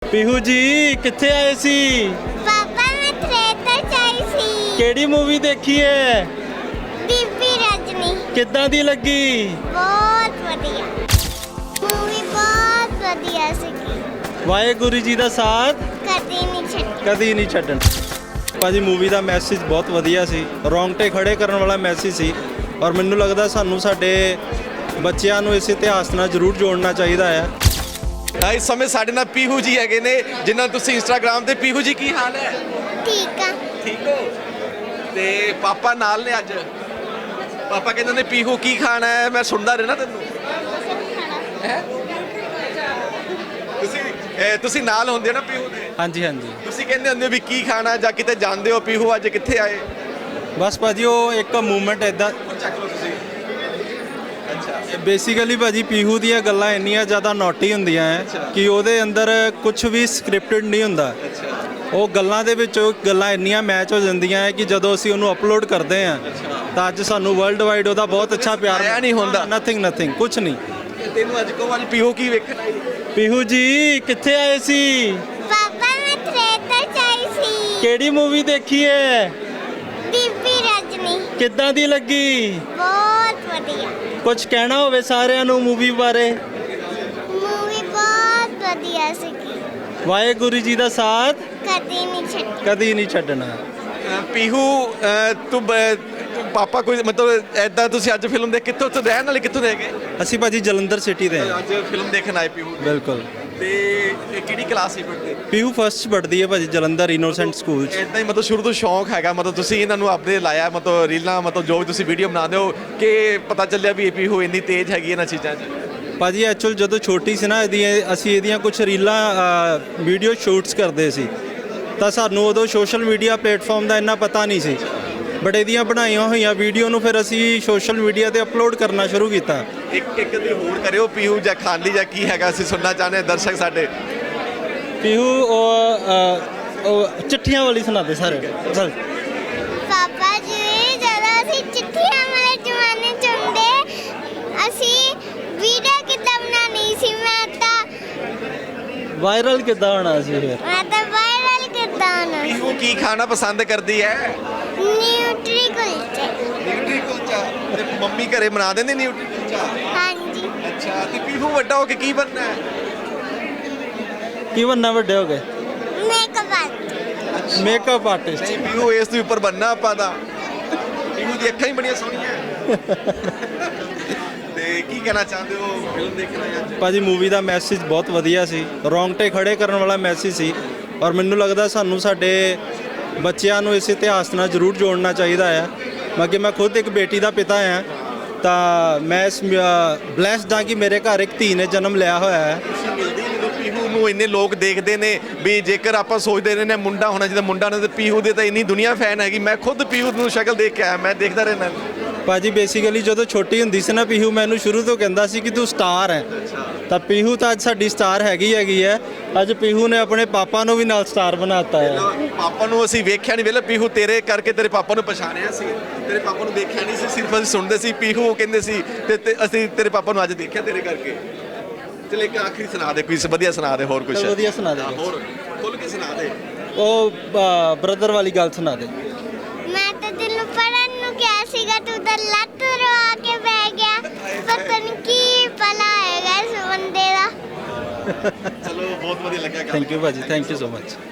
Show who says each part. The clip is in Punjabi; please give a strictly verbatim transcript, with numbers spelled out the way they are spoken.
Speaker 1: ਪੀਹੂ ਜੀ ਕਿੱਥੇ ਆਏ ਸੀ?
Speaker 2: ਪਾਪਾ ਮੈਂ ਥੀਏਟਰ ਚ ਆਈ ਸੀ।
Speaker 1: ਕਿਹੜੀ ਮੂਵੀ ਦੇਖੀ ਹੈ?
Speaker 2: ਬੀਬੀ ਰਜਨੀ।
Speaker 1: ਕਿੱਦਾਂ ਦੀ ਲੱਗੀ?
Speaker 2: ਬਹੁਤ ਵਧੀਆ ਮੂਵੀ, ਬਹੁਤ ਵਧੀਆ ਸੀਗੀ।
Speaker 1: ਵਾਹਿਗੁਰੂ ਜੀ ਦਾ ਸਾਥ
Speaker 2: ਕਦੀ ਨਹੀਂ ਛੱਡੀ।
Speaker 1: ਕਦੀ ਨਹੀਂ ਛੱਡਣ। ਭਾਜੀ ਮੂਵੀ ਦਾ ਮੈਸੇਜ ਬਹੁਤ ਵਧੀਆ ਸੀ, ਰੌਂਗਟੇ ਖੜੇ ਕਰਨ ਵਾਲਾ ਮੈਸੇਜ ਸੀ ਔਰ ਮੈਨੂੰ ਲੱਗਦਾ ਸਾਨੂੰ ਸਾਡੇ ਬੱਚਿਆਂ ਨੂੰ ਇਸ ਇਤਿਹਾਸ ਨਾਲ ਜ਼ਰੂਰ ਜੋੜਨਾ ਚਾਹੀਦਾ ਹੈ।
Speaker 3: ਇਸ ਸਮੇਂ ਸਾਡੇ ਨਾਲ ਪੀਹੂ ਜੀ ਹੈਗੇ ਨੇ, ਜਿਨ੍ਹਾਂ ਨੂੰ ਤੁਸੀਂ ਇੰਸਟਾਗ੍ਰਾਮ ਤੇ ਪੀਹੂ ਜੀ ਕੀ ਹਾਲ ਹੈ?
Speaker 2: ਠੀਕ ਆ।
Speaker 3: ਠੀਕ ਹੋ? ਤੇ ਪਾਪਾ ਨਾਲ ਨੇ ਅੱਜ। ਪਾਪਾ ਕਹਿੰਦੇ ਨੇ ਪੀਹੂ ਕੀ ਖਾਣਾ ਹੈ, ਮੈਂ ਸੁਣਦਾ ਰਹਿਣਾ ਤੈਨੂੰ। ਹੈਂ? ਤੁਸੀਂ ਇਹ ਤੁਸੀਂ ਨਾਲ ਹੁੰਦੇ ਹੋ ਨਾ ਪੀਹੂ ਦੇ?
Speaker 1: ਹਾਂਜੀ ਹਾਂਜੀ,
Speaker 3: ਤੁਸੀਂ ਕਹਿੰਦੇ ਹੁੰਦੇ ਹੋ ਵੀ ਕੀ ਖਾਣਾ ਜਾਂ ਕਿਤੇ ਜਾਂਦੇ ਹੋ, ਪੀਹੂ ਅੱਜ ਕਿੱਥੇ ਆਏ?
Speaker 1: ਬਸ ਭਾਜੀ ਉਹ ਇੱਕ ਮੂਵਮੈਂਟ ਇੱਦਾਂ
Speaker 3: ਚੱਕ ਲਓ ਤੁਸੀਂ। ਅੱਛਾ
Speaker 1: ਬੇਸਿਕਲੀ ਭਾਜੀ ਪੀਹੂ ਦੀਆਂ ਗੱਲਾਂ ਇੰਨੀਆਂ ਜ਼ਿਆਦਾ ਨੋਟੀ ਹੁੰਦੀਆਂ ਹੈ ਕਿ ਉਹਦੇ ਅੰਦਰ ਕੁਝ ਵੀ ਸਕ੍ਰਿਪਟਡ ਨਹੀਂ ਹੁੰਦਾ।
Speaker 3: ਅੱਛਾ
Speaker 1: ਉਹ ਗੱਲਾਂ ਦੇ ਵਿੱਚ ਉਹ ਗੱਲਾਂ ਇੰਨੀਆਂ ਮੈਚ ਹੋ ਜਾਂਦੀਆਂ ਹੈ ਕਿ ਜਦੋਂ ਅਸੀਂ ਉਹਨੂੰ ਅਪਲੋਡ ਕਰਦੇ ਹਾਂ ਤਾਂ ਅੱਜ ਸਾਨੂੰ ਵਰਲਡ ਵਾਈਡ ਉਹਦਾ ਬਹੁਤ ਅੱਛਾ ਪਿਆਰ
Speaker 3: ਆਇਆ ਨਹੀਂ ਹੁੰਦਾ।
Speaker 1: ਨਥਿੰਗ ਨਥਿੰਗ ਕੁਝ ਨਹੀਂ।
Speaker 3: ਤੈਨੂੰ ਅੱਜ ਕੋ ਅੱਜ ਪੀਹੂ ਕੀ ਵੇਖਣਾ ਹੈ?
Speaker 1: ਪੀਹੂ ਜੀ ਕਿੱਥੇ ਆਏ ਸੀ?
Speaker 2: ਪਾਪਾ ਮੈਂ ਥੀਏਟਰ ਚ ਆਈ ਸੀ।
Speaker 1: ਕਿਹੜੀ ਮੂਵੀ ਦੇਖੀ ਹੈ?
Speaker 2: ਬੀਬੀ ਰਜਨੀ।
Speaker 1: ਕਿੱਦਾਂ ਦੀ ਲੱਗੀ?
Speaker 2: ਬਹੁਤ ਵਧੀਆ
Speaker 1: ਕੁਝ ਕਹਿਣਾ ਹੋਵੇ ਸਾਰਿਆਂ ਨੂੰ ਮੂਵੀ ਬਾਰੇ?
Speaker 2: ਮੂਵੀ, ਬਹੁਤ ਵਧੀਆ ਸੀਗੀ।
Speaker 1: ਵਾਹਿਗੁਰੂ ਜੀ ਦਾ ਸਾਥ
Speaker 2: ਕਦੀ ਨਹੀਂ ਛੱਡੀ।
Speaker 1: ਕਦੀ ਨਹੀਂ ਛੱਡਣਾ।
Speaker 3: ਅ, ਪੀਹੂ ਅ, ਤੂੰ ਬ- ਤੂੰ ਪਾਪਾ ਕੋਈ ਮਤਲਬ ਐਦਾਂ ਤੁਸੀਂ ਅੱਜ ਫਿਲਮ ਦੇਖ ਕਿੱਥੋਂ ਤੋਂ ਰਹਿਣ ਵਾਲੇ ਕਿੱਥੋਂ ਦੇ ਹੈਗੇ?
Speaker 1: ਅਸੀਂ ਭਾਜੀ ਜਲੰਧਰ ਸਿਟੀ ਦੇ ਹਾਂ।
Speaker 3: ਅੱਜ ਫਿਲਮ ਦੇਖਣ ਆਏ ਪੀਹੂ।
Speaker 1: ਬਿਲਕੁਲ।
Speaker 3: ਤੇ ਇਹ ਕਿਹੜੀ ਕਲਾਸ ਸੀ ਪੜ੍ਹਦੇ?
Speaker 1: ਪੀਹੂ ਫਸਟ ਪੜ੍ਹਦੀ ਹੈ ਭਾਜੀ ਜਲੰਧਰ ਇਨੋਸੈਂਟ ਸਕੂਲ 'ਚ।
Speaker 3: ਇਦਾਂ ਹੀ ਮਤਲਬ ਸ਼ੁਰੂ ਤੋਂ ਸ਼ੌਂਕ ਹੈਗਾ, ਮਤਲਬ ਤੁਸੀਂ ਇਹਨਾਂ ਨੂੰ ਆਪਣੇ ਲਾਇਆ, ਮਤਲਬ ਰੀਲਾਂ, ਮਤਲਬ ਜੋ ਵੀ ਤੁਸੀਂ ਵੀਡੀਓ ਬਣਾਉਂਦੇ ਹੋ ਕਿ ਪਤਾ ਚੱਲਿਆ ਵੀ ਇਹ ਪੀਹੂ ਇੰਨੀ ਤੇਜ਼ ਹੈਗੀ ਇਹਨਾਂ ਚੀਜ਼ਾਂ 'ਚ?
Speaker 1: ਭਾਜੀ ਐਕਚੁਅਲ ਜਦੋਂ ਛੋਟੀ ਸੀ ਨਾ ਇਹਦੀਆਂ ਅਸੀਂ ਇਹਦੀਆਂ ਕੁਝ ਰੀਲਾਂ ਵੀਡੀਓ ਸ਼ੂਟਸ ਕਰਦੇ ਸੀ ਤਾਂ ਸਾਨੂੰ ਉਦੋਂ ਸੋਸ਼ਲ ਮੀਡੀਆ ਪਲੇਟਫਾਰਮ ਦਾ ਇੰਨਾ ਪਤਾ ਨਹੀਂ ਸੀ, ਬਟ ਇਹਦੀਆਂ ਬਣਾਈਆਂ ਹੋਈਆਂ ਵੀਡੀਓ ਨੂੰ ਫਿਰ ਅਸੀਂ ਸੋਸ਼ਲ ਮੀਡੀਆ ਤੇ ਅਪਲੋਡ ਕਰਨਾ ਸ਼ੁਰੂ ਕੀਤਾ।
Speaker 3: ਇੱਕ ਇੱਕ ਦੀ ਹੋਰ ਕਰਿਓ ਪੀਹੂ ਜਾਂ ਖਾਲੀ ਜਾਂ ਕੀ ਹੈਗਾ, ਅਸੀਂ ਸੁਣਨਾ ਚਾਹੁੰਦੇ ਹਾਂ ਦਰਸ਼ਕ ਸਾਡੇ।
Speaker 1: ਪੀਹੂ ਉਹ ਅ, ਉਹ ਚਿੱਠੀਆਂ ਵਾਲੀ ਸੁਣਾਦੇ ਸਾਰੇ ਚੱਲ।
Speaker 2: ਪਾਪਾ ਜੀ ਜਦੋਂ ਅਸੀਂ ਚਿੱਠੀਆਂ ਵਾਲੇ ਜ਼ਮਾਨੇ ਚ ਹੁੰਦੇ, ਅਸੀਂ ਵੀਡੀਓ ਕਿੱਦਾਂ ਬਣਾਉਣੀ ਸੀ? ਮੈਂ ਤਾਂ
Speaker 1: ਵਾਇਰਲ ਕਿੱਦਾਂ ਹੋਣਾ ਸੀ ਫਿਰ?
Speaker 2: ਮੈਂ ਤਾਂ ਵਾਇਰਲ ਕਿੱਦਾਂ ਹੋਣਾ ਸੀ?
Speaker 3: ਪੀਹੂ ਕੀ ਖਾਣਾ ਪਸੰਦ ਕਰਦੀ ਹੈ?
Speaker 2: ਨਿਊਟਰੀ ਕੁਲਚੇ।
Speaker 3: ਨਿਊਟਰੀ ਕੁਲਚਾ। ਤੇ ਮੰਮੀ ਘਰੇ ਬਣਾ ਦਿੰਦੀ ਨਿਊਟਰੀ ਕੁਲਚਾ?
Speaker 2: ਹਾਂਜੀ।
Speaker 3: ਅੱਛਾ, ਤੇ ਪੀਹੂ ਵੱਡਾ ਹੋ ਕੇ ਕੀ ਬਣਨਾ ਹੈ?
Speaker 1: ਕੀ ਬੰਨਾ ਵੱਡੇ ਹੋ ਗਏ?
Speaker 2: Makeup artist.
Speaker 1: Makeup artist.
Speaker 3: ਨਹੀਂ, ਪੀਹੂ ਇਸ ਤੋਂ ਉੱਪਰ ਬਣਨਾ ਆਪਾਂ ਦਾ। ਪੀਹੂ ਦੀ ਅੱਖਾਂ ਹੀ ਬੜੀਆਂ ਸੋਹਣੀਆਂ। ਤੇ ਕੀ ਕਹਿਣਾ ਚਾਹੁੰਦੇ ਹੋ ਫਿਲਮ ਦੇਖਣ ਆਏ ਅੱਜ?
Speaker 1: ਭਾਜੀ ਮੂਵੀ ਦਾ ਮੈਸੇਜ ਬਹੁਤ ਵਧੀਆ ਸੀ, ਰੌਂਗਟੇ ਖੜੇ ਕਰਨ ਵਾਲਾ ਮੈਸੇਜ ਸੀ ਔਰ ਮੈਨੂੰ ਲੱਗਦਾ ਸਾਨੂੰ ਸਾਡੇ ਬੱਚਿਆਂ ਨੂੰ ਇਸ ਇਤਿਹਾਸ ਨਾਲ ਜ਼ਰੂਰ ਜੋੜਨਾ ਚਾਹੀਦਾ ਹੈ। ਬਾਕੀ ਮੈਂ ਖੁਦ ਇੱਕ ਬੇਟੀ ਦਾ ਪਿਤਾ ਹਾਂ ਤਾਂ ਮੈਂ ਇਸ ਬਲੈਸਡ ਹਾਂ ਕਿ ਮੇਰੇ ਘਰ ਇੱਕ ਧੀ ਨੇ ਜਨਮ ਲਿਆ ਹੋਇਆ ਹੈ।
Speaker 3: ਮਿਲਦੀ ਜਦੋਂ ਪੀਹੂ ਨੂੰ ਇੰਨੇ ਲੋਕ ਦੇਖਦੇ ਨੇ ਵੀ ਜੇਕਰ ਆਪਾਂ ਸੋਚਦੇ ਰਹੇ ਨੇ ਮੁੰਡਾ ਹੋਣਾ ਚਾਹੀਦਾ, ਮੁੰਡਾ ਨੇ ਤੇ ਪੀਹੂ ਦੇ ਤਾਂ ਇੰਨੀ ਦੁਨੀਆ ਫੈਨ ਹੈਗੀ। ਮੈਂ ਖੁਦ ਪੀਹੂ ਨੂੰ ਸ਼ਕਲ ਦੇਖ ਕੇ ਆਇਆ, ਮੈਂ ਦੇਖਦਾ ਰਹਿਣਾ।
Speaker 1: ਭਾਜੀ ਬੇਸਿਕਲੀ ਜਦੋਂ ਛੋਟੀ ਹੁੰਦੀ ਸੀ ਨਾ ਪੀਹੂ ਮੈਨੂੰ ਸ਼ੁਰੂ ਤੋਂ ਕਹਿੰਦਾ ਸੀ ਕਿ ਤੂੰ ਸਟਾਰ ਹੈ, ਤਾਂ ਪੀਹੂ ਤਾਂ ਅੱਜ ਸਾਡੀ ਸਟਾਰ ਹੈਗੀ ਹੈਗੀ ਹੈ। ਅੱਜ ਪੀਹੂ ਨੇ ਆਪਣੇ ਪਾਪਾ ਨੂੰ ਵੀ ਨਾਲ ਸਟਾਰ ਬਣਾਤਾ ਹੈ।
Speaker 3: ਪਾਪਾ ਨੂੰ ਅਸੀਂ ਵੇਖਿਆ ਨਹੀਂ, ਵੇਲੇ ਪੀਹੂ ਤੇਰੇ ਕਰਕੇ ਤੇਰੇ ਪਾਪਾ ਨੂੰ ਪਛਾਣਿਆ ਸੀ, ਤੇਰੇ ਪਾਪਾ ਨੂੰ ਦੇਖਿਆ ਨਹੀਂ ਸੀ, ਸਿਰਫ ਅਸੀਂ ਸੁਣਦੇ ਸੀ ਪੀਹੂ ਕਹਿੰਦੇ ਸੀ ਤੇ ਤੇ ਅਸੀਂ ਤੇਰੇ ਪਾਪਾ ਨੂੰ ਅੱਜ ਦੇਖਿਆ ਤੇਰੇ ਕਰਕੇ। ਚਲ ਇੱਕ ਆਖਰੀ ਸੁਣਾ ਦੇ, ਕੋਈ ਵਧੀਆ ਸੁਣਾ ਦੇ, ਹੋਰ ਕੁਝ
Speaker 1: ਚੱਲ ਵਧੀਆ ਸੁਣਾ ਦੇ।
Speaker 3: ਹੋਰ ਖੁੱਲ ਕੇ ਸੁਣਾ ਦੇ।
Speaker 1: ਉਹ ਬ੍ਰਦਰ ਵਾਲੀ ਗੱਲ ਸੁਣਾ ਦੇ।
Speaker 2: ਮੈਂ ਤਾਂ ਤੈਨੂੰ ਪੜਨ ਨੂੰ ਕਿਹਾ ਸੀਗਾ, ਤੂੰ ਤਾਂ ਲੱਤ ਰਵਾ ਕੇ ਬਹਿ ਗਿਆ। ਪਤਾ ਨਹੀਂ ਕੀ ਭਲਾ ਹੈਗਾ ਇਸ ਬੰਦੇ ਦਾ।
Speaker 3: ਚਲੋ ਬਹੁਤ ਵਧੀਆ ਲੱਗਿਆ।
Speaker 1: ਥੈਂਕ ਯੂ ਭਾਜੀ, ਥੈਂਕ ਯੂ ਸੋ ਮਚ।